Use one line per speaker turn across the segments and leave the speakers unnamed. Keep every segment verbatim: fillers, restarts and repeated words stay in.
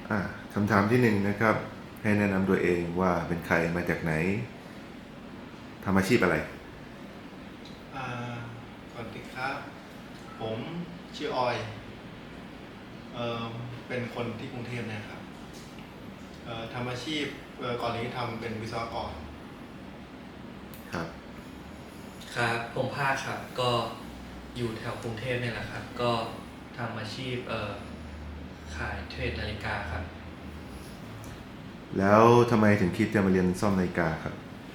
อ่าคำถามที่หนึ่งนะครับให้แนะนำตัวเองว่าเป็นใครมาจากไหนทำอาชีพอะไร
อ่าสวัสดีครับผมชื่อออยเอ่อเป็นคนที่กรุงเทพนะครับเอ่อทำอาชีพเอ่อก่อนนี้ทำเป็นวิศวกร
ครับ
ครับผมภาคครับก็อยู่แถวกรุงเทพเนี่ยแหละครับก็ทำอาชีพเอ่อขายเทรดนาฬิกาครับ
แล้วทำไมถึงคิดจะมาเรียนซ่อมนาฬิกาครับ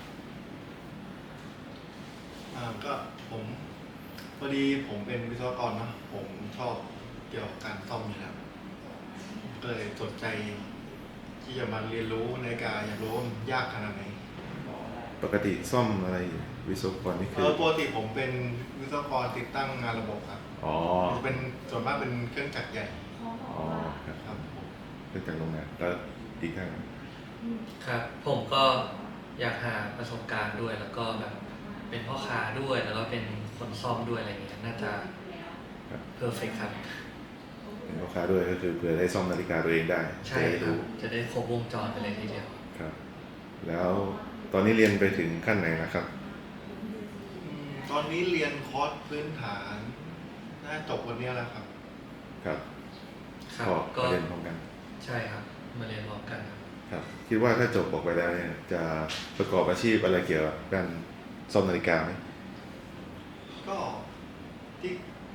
อ่าก็ผมพอดีผมเป็นวิศวกรเนาะผมชอบเกี่ยวกับการซ่อมอยู่แล้วก็เลยสนใจที่จะมาเรียนรู้นาฬิกาอยากรู้ว่ามันยากขนาดไหน
ปกติซ่อมอะไรวิศวกรนี่
เอ
คือ
อปกติผมเป็นวิศวกรติดตั้งงานระบบครับ
อ๋อ
เป็นส่วนมากเป็นเครื่องจักรใหญ่
อ๋อครับ
ครับผม
เรื่องจากโรงงานแล้วอีกทาง
ครับผมก็อยากหาประสบการณ์ด้วยแล้วก็แบบเป็นพ่อค้าด้วยแล้วก็เป็นคนซ่อมด้วยอะไรเงี้ยน่าจะเพอร์เฟกครับ
เป็นลูกค้าด้วยก็คือเผื่อได้ซ่อมนาฬิกาตัวเองได้
ใช่
จะได้
ครับ
รู้
จะได้ครบวงจรไปเลยทีเดียว
ครับแล้วตอนนี้เรียนไปถึงขั้นไหนนะครับ
อืมตอนนี้เรียนคอร์สพื้นฐานน่าจบวันนี้แล้วครับ
ครับ
ครับ
ก็
ก็
มาเรียนพร้อมกัน
ใช่ครับมาเรียนพร้อมกันครับ
ครับคิดว่าถ้าจบออกไปแล้วเนี่ยจะประกอบอาชีพอะไรเกี่ยวกับการซ่อมนาฬิกาไหม
ก็ที่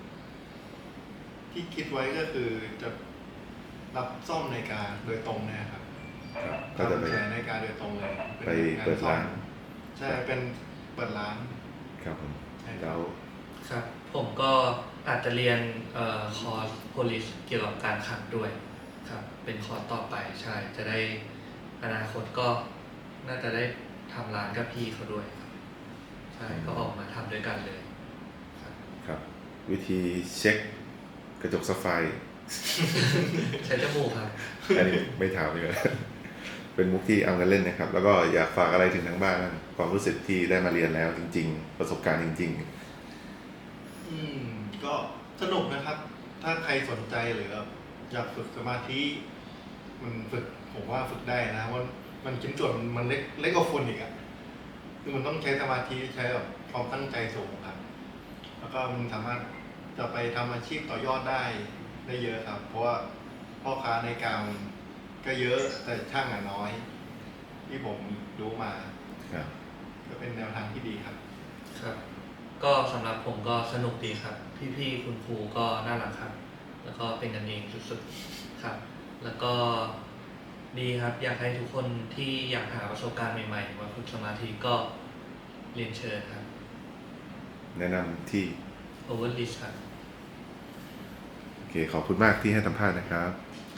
ที่คิดไว้ก็คือจะรับซ่อมนาฬิกาโดยตรงเนะครับ
ครับก็จะไป
ทำขายนาฬิกาโดยตรงเลย
ไปเปิดร้าน
ใช่เป็นเปิดร้าน
ครับผม
ใช่ครั
แล้
บ
ว
ครับผมก็อาจจะเรียนเอ่อคอร์ส police เกี่ยวกับการขับด้วยครับเป็นคอร์สต่อไปใช่จะได้อนาคตก็น่าจะได้ทำร้านกับพี่เขาด้วยครับใช่ก็ออกมาทำด้วยกันเลยครับ
ครับวิธีเช็คกระจกซัฟไฟร์
ใช้จมูกครับ
อันนี้ไม่ถามเลย เป็นมุกที่เอากันเล่นนะครับ แล้วก็อยากฝากอะไรถึงทางบ้านบ้างความรู้สึกที่ได้มาเรียนแล้วจริงๆประสบการณ์จริง
อืมก็สนุกนะครับ ถ้าใครสนใจหรืออยากฝึกสมาธิมันฝึกผมว่าฝึกได้นะมันมันชิ้นส่วนมันเล็กเล็กกว่าฝุ่นอีกอะคือมันต้องใช้สมาธิใช้แบบความตั้งใจสูงครับ แล้วก็มันสามารถจะไปทำอาชีพต่อยอดได้ได้เยอะครับ เพราะว่าพ่อค้าในกลางก็เยอะแต่ช่างอะน้อย ที่ผมรู้มา
ๆครับ
ก็เป็นแนวทางที่ดีครับ
ครับ ก็สำหรับผมก็สนุกดีครับ พี่ๆคุณครูก็น่ารักครับ แล้วก็เป็นกันเองสุดๆครับ แล้วก็ดีครับอยากให้ทุกคนที่อยากหาประสบการณ์ใหม่ๆมาฝึกสมาธิก็เรียนเชิญครับ
แนะนำที่
Overlist ครับ
โอเคขอบคุณมากที่ให้สัมภาษณ์นะครับ